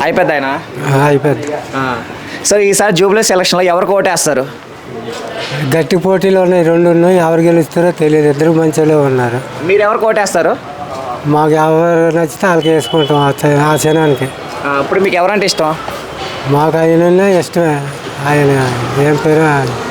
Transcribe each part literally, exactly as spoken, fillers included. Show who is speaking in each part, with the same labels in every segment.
Speaker 1: అయిపోద్ది ఆయన
Speaker 2: అయిపోద్ది.
Speaker 1: సార్ ఈసారి జూబ్లీ ఎలక్షన్లో ఎవరికి ఓటేస్తారు?
Speaker 2: గట్టి పోటీలు ఉన్నాయి, రెండు ఉన్నాయి. ఎవరు గెలుస్తారో తెలియదు. ఇద్దరు మంచిగా ఉన్నారు.
Speaker 1: మీరు ఎవరికి ఓటేస్తారు?
Speaker 2: మాకు ఎవరు నచ్చితే వాళ్ళకి వేసుకుంటాం ఆ చ- ఆ క్షణానికి.
Speaker 1: ఇప్పుడు మీకు ఎవరంటే ఇష్టం?
Speaker 2: మాకు ఆయన ఇష్టమే. ఆయన ఏం పేరు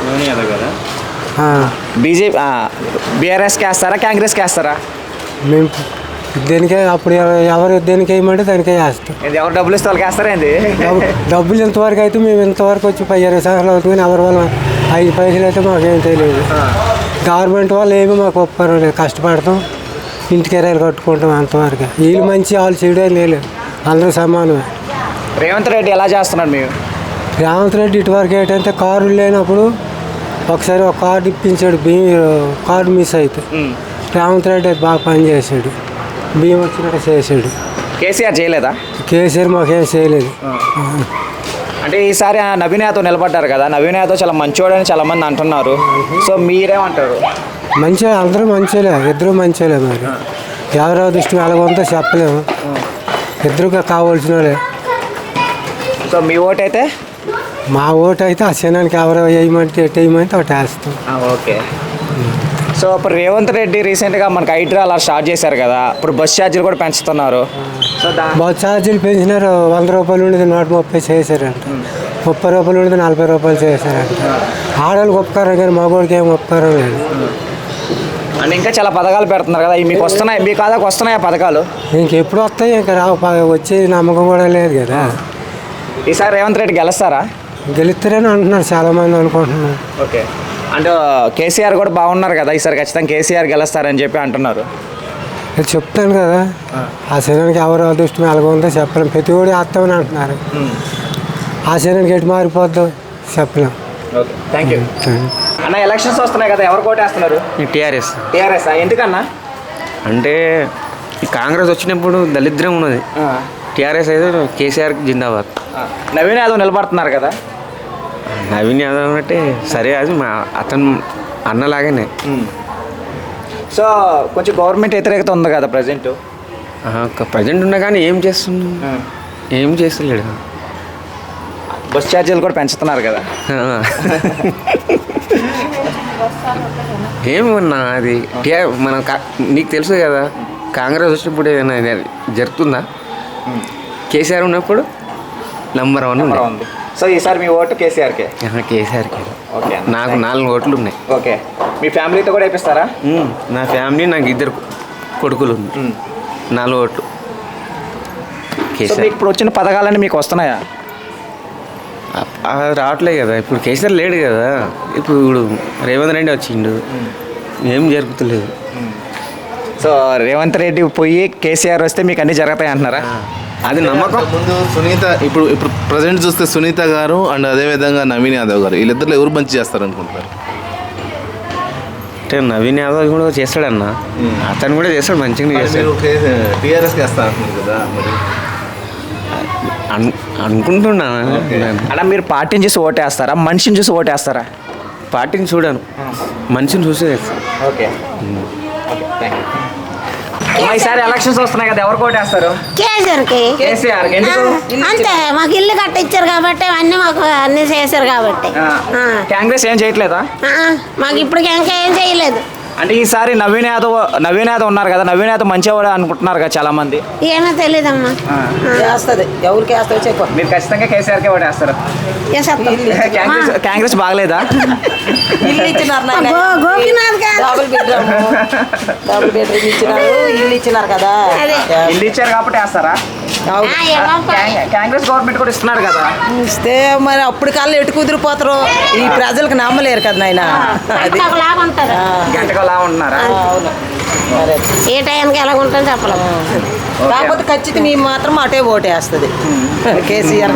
Speaker 2: ఆ,
Speaker 1: బీజేపీ బీఆర్ఎస్కి వేస్తారా, కాంగ్రెస్కి వేస్తారా?
Speaker 2: మేము దేనికే అప్పుడు ఎవ- ఎవరు దేనికి వేయమంటే దానికే వేస్తాం.
Speaker 1: ఇది ఎవరు డబ్బులు ఇస్తే వాళ్ళకి వేస్తారా ఏంది?
Speaker 2: డబ్బు- డబ్బులు ఇంతవరకు అయితే మేము ఇంతవరకు వచ్చి పై ఇరవై సంవత్సరాలు అవుతుంది కానీ ఎవరి వల్ల ఐదు పైసలు అయితే మాకేం తెలియదు. గవర్నమెంట్ వాళ్ళు ఏమి మాకు ఒప్పారు లేదు. కష్టపడతాం, ఇంటికి ఎరాయిలు కట్టుకుంటాం అంతవరకు. వీళ్ళు మంచి వాళ్ళు చెడు అని లేదు, అందరూ సమానమే.
Speaker 1: రేవంత్ రెడ్డి ఎలా చేస్తున్నాడు మీరు?
Speaker 2: రేవంత్ రెడ్డి ఇటువరకు ఏంటంటే కారు లేనప్పుడు ఒకసారి ఒక కార్డు ఇప్పించాడు, బియ్యం కార్డు మిస్ అయితే. రేవంత్ రెడ్డి అది బాగా పనిచేసాడు, బియ్యం వచ్చినట్టు చేసాడు.
Speaker 1: కేసీఆర్ చేయలేదా?
Speaker 2: కేసీఆర్ మాకేం చేయలేదు.
Speaker 1: అంటే ఈసారి ఆ నవీన్ యాదవ్ నిలబడ్డారు కదా, నవీన్ యాదవ్ చాలా మంచివాడని చాలా మంది అంటున్నారు. సో మీరేమంటారు?
Speaker 2: మంచిగా అందరూ మంచిలే, ఇద్దరు మంచిలే. మరి ఎవరో దృష్టి ఎలాగొంతో చెప్పలేము, ఇద్దరుగా కావాల్సిన వాళ్ళే.
Speaker 1: సో మీ ఓటు అయితే?
Speaker 2: మా ఓటు అయితే ఆ క్షణానికి ఎవరో వేయమంటే ఎటు వేయమంటే ఒకటి వేస్తాం.
Speaker 1: ఓకే. సో ఇప్పుడు రేవంత్ రెడ్డి రీసెంట్గా మనకి ఐడ్రా అలా స్టార్ట్ చేశారు కదా, ఇప్పుడు బస్ ఛార్జీలు కూడా పెంచుతున్నారు. సో దా
Speaker 2: బస్ ఛార్జీలు పెంచినారు. వంద రూపాయలు ఉండేది నూట ముప్పై చేశారంట, ముప్పై రూపాయలు ఉండేది నలభై రూపాయలు చేశారంట. ఆడవాళ్ళకి ఉపకారం కానీ మగవాడికి ఏం ఉపకారం లేదు.
Speaker 1: అండ్ ఇంకా చాలా పథకాలు పెడుతున్నారు కదా, ఇవి మీకు వస్తున్నాయి, మీ కాదాకు వస్తున్నాయి ఆ పథకాలు?
Speaker 2: ఇంకెప్పుడు వస్తాయి, ఇంకా రావు. వచ్చే నమ్మకం కూడా లేదు కదా.
Speaker 1: ఈసారి రేవంత్ రెడ్డి గెలుస్తారా?
Speaker 2: గెలుస్తారని అంటున్నారు చాలామంది అనుకుంటున్నారు.
Speaker 1: ఓకే. అంటే కేసీఆర్ కూడా బాగున్నారు కదా, ఈసారి ఖచ్చితంగా కేసీఆర్ గెలుస్తారని చెప్పి అంటున్నారు.
Speaker 2: నేను చెప్తాను కదా, ఆ శరీరానికి ఎవరు అదృష్టం ఎలాగొందో చెప్పలేం. ప్రతి ఒడి వేస్తామని అంటున్నారు. ఆ శరీరానికి ఎటు మారిపోద్దో చెప్పలేం.
Speaker 1: ఓకే, థ్యాంక్ యూ అన్న. ఎలక్షన్స్ వస్తున్నాయి కదా, ఎవరు కోటేస్తున్నారు?
Speaker 3: టీఆర్ఎస్.
Speaker 1: టీఆర్ఎస్ ఎందుకన్నా?
Speaker 3: అంటే ఈ కాంగ్రెస్ వచ్చినప్పుడు దళిద్రం ఉన్నది. టీఆర్ఎస్ అయితే కేసీఆర్ జిందాబాద్.
Speaker 1: నవీన్ యాదవ్ నిలబడుతున్నారు కదా.
Speaker 3: నవీన్ యాదవ్ అంటే సరే, అది మా అతను అన్నలాగానే.
Speaker 1: సో కొంచెం గవర్నమెంట్ వ్యతిరేకత ఉంది కదా ప్రజెంట్.
Speaker 3: ప్రజెంట్ ఉన్నా కానీ ఏం చేస్తున్నా, ఏం చేస్తలేడు.
Speaker 1: బస్ ఛార్జీలు కూడా పెంచుతున్నారు కదా.
Speaker 3: ఏమన్నా అది టీఆర్ మన కా- నీకు తెలుసు కదా, కాంగ్రెస్ వచ్చినప్పుడు ఏదైనా జరుగుతుందా? కేసీఆర్ ఉన్నప్పుడు నంబర్ వన్ ఉంది.
Speaker 1: ఉంది. సో ఈసారి మీ ఓటు కేసీఆర్కే?
Speaker 3: కేసీఆర్కి.
Speaker 1: ఓకే.
Speaker 3: నాకు నాలుగు ఓట్లు ఉన్నాయి.
Speaker 1: ఓకే. మీ ఫ్యామిలీతో కూడా వేపిస్తారా?
Speaker 3: నా ఫ్యామిలీ, నాకు ఇద్దరు కొడుకులు ఉంది, నాలుగు ఓట్లు
Speaker 1: సో
Speaker 3: కేసీఆర్.
Speaker 1: మీకు ఇప్పుడు వచ్చిన పథకాలన్నీ మీకు వస్తున్నాయా?
Speaker 3: అది రావట్లేదు కదా, ఇప్పుడు కేసీఆర్ లేడు కదా, ఇప్పుడు ఇప్పుడు రేవంత్ రెడ్డి వచ్చిండు, ఏం జరుగుతలేదు.
Speaker 1: సో రేవంత్ రెడ్డి పోయి కేసీఆర్ వస్తే మీకు అన్నీ జరుగుతాయి అంటున్నారా?
Speaker 3: అది నమ్మకం.
Speaker 4: ముందు సునీత, ఇప్పుడు ఇప్పుడు ప్రజెంట్ చూస్తే సునీత గారు అండ్ అదేవిధంగా నవీన్ యాదవ్ గారు, వీళ్ళిద్దరు ఎవరు మంచి చేస్తారు అనుకుంటారు?
Speaker 3: అంటే నవీన్ యాదవ్ కూడా చేస్తాడన్న, అతను కూడా చేస్తాడు, మంచిగా చేస్తాడు.
Speaker 4: టీఆర్ఎస్కి వేస్తా అంటున్నారు కదా, మరి
Speaker 3: అను అనుకుంటున్నా.
Speaker 1: అలా మీరు పార్టీని చూసి ఓటేస్తారా, మనిషిని చూసి ఓటేస్తారా?
Speaker 3: పార్టీని చూడాను, మనిషిని చూసి చేస్తాను.
Speaker 1: ఓకే. ఈసారి ఎలక్షన్స్ వస్తున్నాయి కదా, ఎవరు ఓటేస్తారు?
Speaker 5: కేసీఆర్కి.
Speaker 1: కేసీఆర్ ఎందుకు?
Speaker 5: అంతే, మాకు ఇల్లు కట్టించారు కాబట్టి అన్నీ మాకు అన్నీ చేశారు కాబట్టి. ఆ.
Speaker 1: కాంగ్రెస్ ఏం చేయట్లేదా?
Speaker 5: ఆ, మాకు ఇప్పటికి ఇంకా ఏం చేయలేదు.
Speaker 1: అంటే ఈసారి నవీన్ యాదవ్ నవీన్ యాదవ్ ఉన్నారు కదా, నవీన్ యాదవ్ మంచివాడు అనుకుంటున్నారు కదా చాలా మంది.
Speaker 5: ఏమో తెలీదమ్మా.
Speaker 6: వేస్తుంది, ఎవరికి వేస్తారో చెప్పు.
Speaker 1: మీరు ఖచ్చితంగా కేసీఆర్కే ఓటేస్తారు. కాంగ్రెస్ కాంగ్రెస్ బాగలేదా?
Speaker 6: ఇల్లు ఇచ్చినారు నాయన.
Speaker 5: గో- గోపీనాథ్ గారు.
Speaker 6: డబుల్ బెడ్రూమ్ డబుల్ బెడ్రూమ్ ఇచ్చినారు, ఇల్లు ఇచ్చినారు కదా.
Speaker 5: అదే.
Speaker 1: ఇల్లు ఇచ్చారు కాబట్టి వేస్తారా?
Speaker 6: అవును.
Speaker 5: ఆ, ఏమో పా-
Speaker 1: కాంగ్- కాంగ్రెస్ గవర్నమెంట్ కూడా ఇస్తున్నారు కదా.
Speaker 6: ఇస్తే మరి అప్పుడు కల్లా ఎటు కుదిరిపోతారు, ఈ ప్రజలకు నమ్మలేరు కదా నాయన. అది
Speaker 5: ఒకలాగా ఉంటారు.
Speaker 1: గంటకు అలా ఉంటున్నారా?
Speaker 6: అవును. మరి
Speaker 5: ఏ టైంకి ఎలా ఉంటుందో చెప్పలేము.
Speaker 6: కాకపోతే ఖచ్చితంగా మేము మాత్రం అటే ఓటేస్తుంది, కేసీఆర్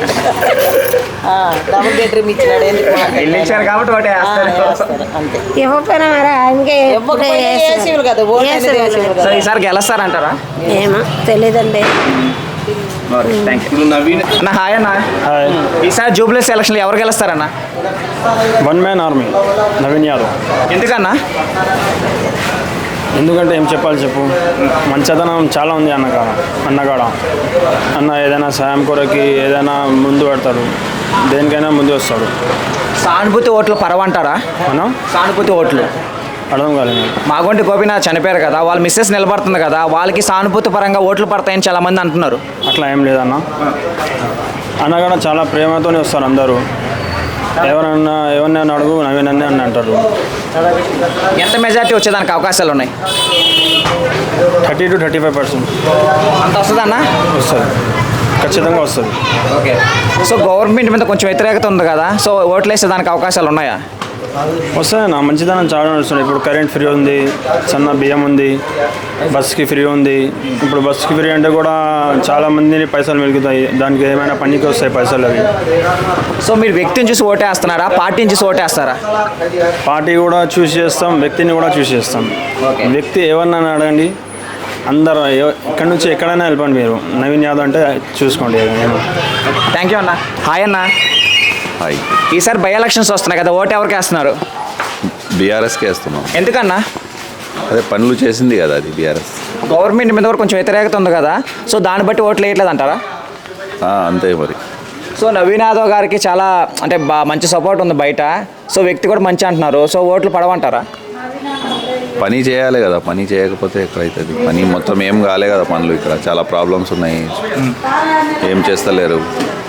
Speaker 6: డబుల్ బెడ్రూమ్ ఇచ్చినాడు. ఎందుకు మాకు?
Speaker 1: ఇల్లు ఇచ్చారు కాబట్టి ఓటే
Speaker 6: ఆ,
Speaker 1: వేస్తారు.
Speaker 6: వేస్తారు, అంతే.
Speaker 5: ఇవ్వకపోయినా మరి ఆయనకే
Speaker 6: ఇవ్వకపోయినా వేసేవాళ్ళు కదా, ఓటు అనేది వేసేవాళ్ళు
Speaker 1: సో
Speaker 6: కదా.
Speaker 1: ఈసారి గెలుస్తారంటారా?
Speaker 5: ఏమో తెలీదండి.
Speaker 1: Thank you.
Speaker 4: ఇప్పుడు నవీన్
Speaker 1: అన్న హాయ్ అన్న. ఈసారి జూబ్లీ ఎలక్షన్లో ఎవరు గెలుస్తారన్న?
Speaker 7: One man army Naveen Yadav.
Speaker 1: ఎందుకన్నా?
Speaker 7: ఎందుకంటే ఏం చెప్పాలి చెప్పు మంచితనం చాలా ఉంది అన్నకాడ అన్నకాడ అన్న ఏదైనా సాయం కొరకి ఏదైనా ముందు పెడతాడు, దేనికైనా ముందు వస్తాడు.
Speaker 1: సానుభూతి ఓట్లు పరవంటారా?
Speaker 7: మనం
Speaker 1: సానుభూతి ఓట్లు
Speaker 7: అర్థం కాలేదు.
Speaker 1: మాగొంటి గోపీనాథ్ చనిపోయారు కదా, వాళ్ళ మిస్సెస్ నిలబడుతుంది కదా, వాళ్ళకి సానుభూతి పరంగా ఓట్లు పడతాయని చాలా మంది అంటున్నారు.
Speaker 7: అట్లా ఏం లేదన్న, అన్నగాడ చాలా ప్రేమతోనే వస్తారు అందరూ. ఎవరన్నా ఎవరినైనా అడుగు నవీన్ అన్నీ అని అంటారు.
Speaker 1: ఎంత మెజారిటీ వచ్చేదానికి అవకాశాలు ఉన్నాయి?
Speaker 7: Thirty to thirty five percent
Speaker 1: అంత వస్తుందన్న?
Speaker 7: వస్తుంది, ఖచ్చితంగా వస్తుంది.
Speaker 1: ఓకే. సో గవర్నమెంట్ మీద కొంచెం వ్యతిరేకత ఉంది కదా, సో ఓట్లు వేసే దానికి అవకాశాలు ఉన్నాయా?
Speaker 7: వస్తాయన్న, మంచిదనం చాలా వస్తుంది. ఇప్పుడు కరెంట్ ఫ్రీ ఉంది, సన్న బియ్యం ఉంది, బస్కి ఫ్రీ ఉంది. ఇప్పుడు బస్కి ఫ్రీ అంటే కూడా చాలా మందిని పైసలు మిగులుతాయి, దానికి ఏమైనా పనికి వస్తాయి పైసలు అవి.
Speaker 1: సో మీరు వ్యక్తిని చూసి ఓటేస్తున్నారా, పార్టీని చూసి ఓటేస్తారా?
Speaker 7: పార్టీ కూడా చూస్ చేస్తాం, వ్యక్తిని కూడా చూస్ చేస్తాం.
Speaker 1: ఓకే.
Speaker 7: వ్యక్తి ఎవరినైనా అడగండి, అందరూ ఎవ- ఎక్కడి నుంచి ఎక్కడైనా వెళ్ళిపోండి, మీరు నవీన్ యాదవ్ అంటే చూసుకోండి.
Speaker 1: థ్యాంక్ యూ అన్న. హాయ్ అన్న.
Speaker 8: హాయ్.
Speaker 1: ఈసారి బై ఎలక్షన్స్ వస్తున్నాయి కదా, ఓటు ఎవరికి వేస్తున్నారు?
Speaker 8: బీఆర్ఎస్కి వేస్తున్నాం.
Speaker 1: ఎందుకన్నా?
Speaker 8: అదే పనులు చేసింది కదా అది బీఆర్ఎస్.
Speaker 1: గవర్నమెంట్ మీద కూడా కొంచెం వ్యతిరేకత ఉంది కదా, సో దాన్ని బట్టి ఓట్లు వేయట్లేదు అంటారా?
Speaker 8: అంతే మరి.
Speaker 1: సో నవీన్ యాదవ్ గారికి చాలా అంటే బా మంచి సపోర్ట్ ఉంది బయట, సో వ్యక్తి కూడా మంచి అంటున్నారు, సో ఓట్లు పడవంటారా?
Speaker 8: పని చేయాలి కదా, పని చేయకపోతే ఎక్కడైతుంది? పని మొత్తం ఏం కాలే కదా పనులు, ఇక్కడ చాలా ప్రాబ్లమ్స్ ఉన్నాయి, ఏం చేస్తలేరు.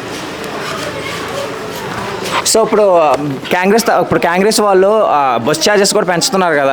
Speaker 1: సో ఇప్పుడు కాంగ్రెస్ ఇప్పుడు కాంగ్రెస్ వాళ్ళు ఆ, బస్ ఛార్జెస్ కూడా పెంచుతున్నారు కదా.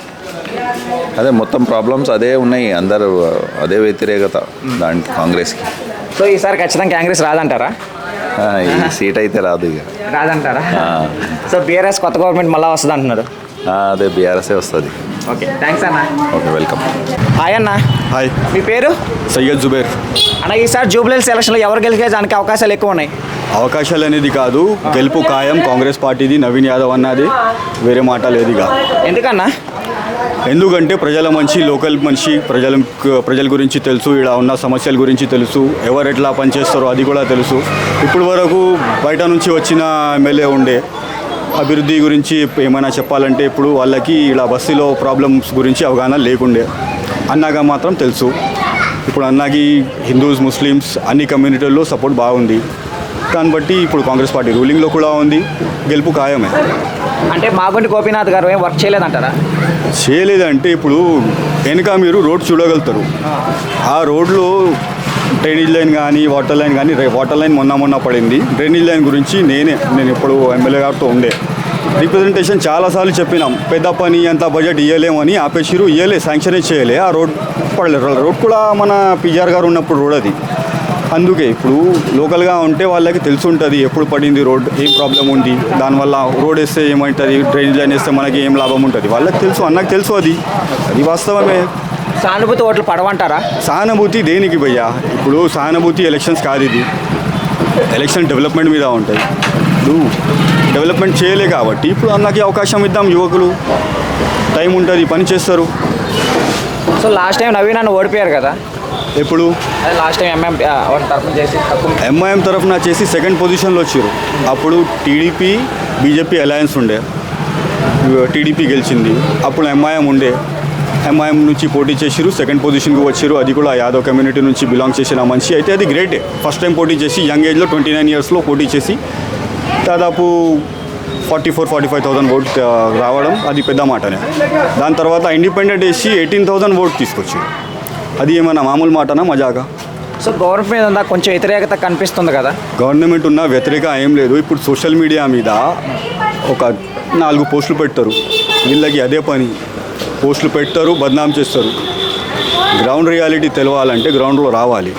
Speaker 8: అదే మొత్తం ప్రాబ్లమ్స్ అదే ఉన్నాయి, అందరూ అదే వ్యతిరేకత దానికి కాంగ్రెస్కి.
Speaker 1: సో ఈసారి ఖచ్చితంగా కాంగ్రెస్ రాదంటారా?
Speaker 8: ఆ, ఈ సీట్ అయితే రాదు ఇక.
Speaker 1: రాదంటారా?
Speaker 8: ఆ,
Speaker 1: సో బీఆర్ఎస్ కొత్త గవర్నమెంట్ మళ్ళీ వస్తుంది అంటున్నారు.
Speaker 8: ఆ, అదే బీఆర్ఎస్ఏ వస్తుంది.
Speaker 1: ఓకే, థ్యాంక్స్ అన్న.
Speaker 8: Okay, welcome.
Speaker 1: హాయ్ అన్న.
Speaker 9: హాయ్,
Speaker 1: మీ పేరు?
Speaker 9: సయ్యద్ జుబేర్.
Speaker 1: అన్న ఈసారి జూబ్లీహిల్స్ ఎలక్షన్లో ఎవరు గెలిచే దానికి అవకాశాలు ఎక్కువ ఉన్నాయి?
Speaker 9: అవకాశాలు అనేది కాదు, గెలుపు ఖాయం కాంగ్రెస్ పార్టీది, నవీన్ యాదవ్ అన్నది, వేరే మాట లేదు ఇక.
Speaker 1: ఎందుకన్నా?
Speaker 9: ఎందుకంటే ప్రజల మనిషి, లోకల్ మనిషి, ప్రజల ప్రజల గురించి తెలుసు, ఇక్కడ ఉన్న సమస్యల గురించి తెలుసు, ఎవరు ఎట్లా పనిచేస్తారో అది కూడా తెలుసు. ఇప్పుడు వరకు బయట నుంచి వచ్చిన ఎమ్మెల్యే ఉండే అభివృద్ధి గురించి ఏమైనా చెప్పాలంటే ఇప్పుడు వాళ్ళకి ఇలా బస్సులో ప్రాబ్లమ్స్ గురించి అవగాహన లేకుండే. అన్నగా మాత్రం తెలుసు. ఇప్పుడు అన్నకి హిందూస్, ముస్లిమ్స్ అన్ని కమ్యూనిటీల్లో సపోర్ట్ బాగుంది. దాన్ని బట్టి ఇప్పుడు కాంగ్రెస్ పార్టీ రూలింగ్లో కూడా ఉంది, గెలుపు ఖాయమే.
Speaker 1: అంటే మాగొంటి గోపీనాథ్ గారు ఏం వర్క్ చేయలేదంటారా?
Speaker 9: చేయలేదంటే ఇప్పుడు వెనుక మీరు రోడ్ చూడగలుగుతారు. ఆ రోడ్లో డ్రైనేజ్ లైన్ కానీ వాటర్ లైన్ కానీ, వాటర్ లైన్ మొన్న మొన్న పడింది. డ్రైనేజ్ లైన్ గురించి నేనే నేను ఇప్పుడు ఎమ్మెల్యే గారితో ఉండే రిప్రజెంటేషన్ చాలాసార్లు చెప్పినాం, పెద్ద పని అంత బడ్జెట్ ఇవ్వలేమని ఆపేసిరు, ఇవ్వలే, శాంక్షన్ చేయలే. ఆ రోడ్ పడలేదు. రోడ్ కూడా మన పిఆర్ గారు ఉన్నప్పుడు రోడ్ అది. అందుకే ఇప్పుడు లోకల్గా ఉంటే వాళ్ళకి తెలిసి ఉంటుంది ఎప్పుడు పడింది రోడ్, ఏం ప్రాబ్లం ఉంది, దానివల్ల రోడ్ వేస్తే ఏమవుతుంది, డ్రైనేజ్ లైన్ వేస్తే మనకి ఏం లాభం ఉంటుంది, వాళ్ళకి తెలుసు, అన్నకు తెలుసు. అది అది వాస్తవమే.
Speaker 1: సానుభూతి ఓట్లు పడవంటారా?
Speaker 9: సానుభూతి దేనికి భయ్యా? ఇప్పుడు సానుభూతి ఎలక్షన్స్ కాదు, ఇది ఎలక్షన్ డెవలప్మెంట్ మీద ఉంటాయి. ఇప్పుడు డెవలప్మెంట్ చేయలే కాబట్టి ఇప్పుడు అన్నకి అవకాశం ఇద్దాం. యువకులు టైం ఉంటుంది, పని చేస్తారు.
Speaker 1: సో లాస్ట్ టైం నవీన్ అన్న ఓడిపోయారు కదా,
Speaker 9: ఎప్పుడు
Speaker 1: అదే లాస్ట్ టైం ఎంఎం వాళ్ళ తరఫున చేసి తక్కువ
Speaker 9: ఎంఐఎం తరఫున చేసి సెకండ్ పొజిషన్లో వచ్చారు. అప్పుడు టీడీపీ బీజేపీ అలయన్స్ ఉండే, టీడీపీ గెలిచింది. అప్పుడు ఎంఐఎం ఉండే, ఎంఐఎం నుంచి పోటీ చేసిరు, సెకండ్ పొజిషన్కి వచ్చారు. అది కూడా యాదవ్ కమ్యూనిటీ నుంచి బిలాంగ్ చేసిన మనిషి అయితే అది గ్రేటే. ఫస్ట్ టైం పోటీ చేసి యంగ్ ఏజ్లో ట్వంటీ నైన్ ఇయర్స్లో పోటీ చేసి దాదాపు forty four forty five thousand vote రావడం అది పెద్ద మాటనే. దాని తర్వాత ఇండిపెండెంట్ వేసి ఎయిటీన్ థౌసండ్ ఓట్ తీసుకొచ్చారు. అది ఏమైనా మామూలు మాటనా, మజాగా?
Speaker 1: సో గవర్నమెంట్ మీద ఉందా కొంచెం వ్యతిరేకత కనిపిస్తుంది కదా?
Speaker 9: గవర్నమెంట్ ఉన్న వ్యతిరేక ఏం లేదు. ఇప్పుడు సోషల్ మీడియా మీద ఒక నాలుగు పోస్టులు పెడతారు, వీళ్ళకి అదే పని. పోస్టులు పెడతారు, బద్నాం చేస్తారు. గ్రౌండ్ రియాలిటీ తెలవాలంటే గ్రౌండ్లో రావాలి.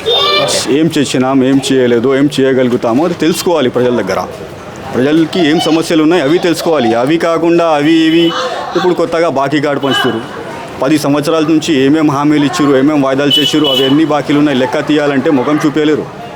Speaker 9: ఏం చేసినాం, ఏం చేయలేదు, ఏం చేయగలుగుతామో అది తెలుసుకోవాలి ప్రజల దగ్గర. ప్రజలకి ఏం సమస్యలు ఉన్నాయి అవి తెలుసుకోవాలి. అవి కాకుండా అవి ఇవి ఇప్పుడు కొత్తగా బాకీ కార్డు పంచుతారు. పది సంవత్సరాల నుంచి ఏమేమి హామీలు ఇచ్చారు, ఏమేమి వాయిదాలు చేసారు, అవి ఎన్ని బాకీలు ఉన్నాయి లెక్క తీయాలంటే ముఖం చూపించలేరు.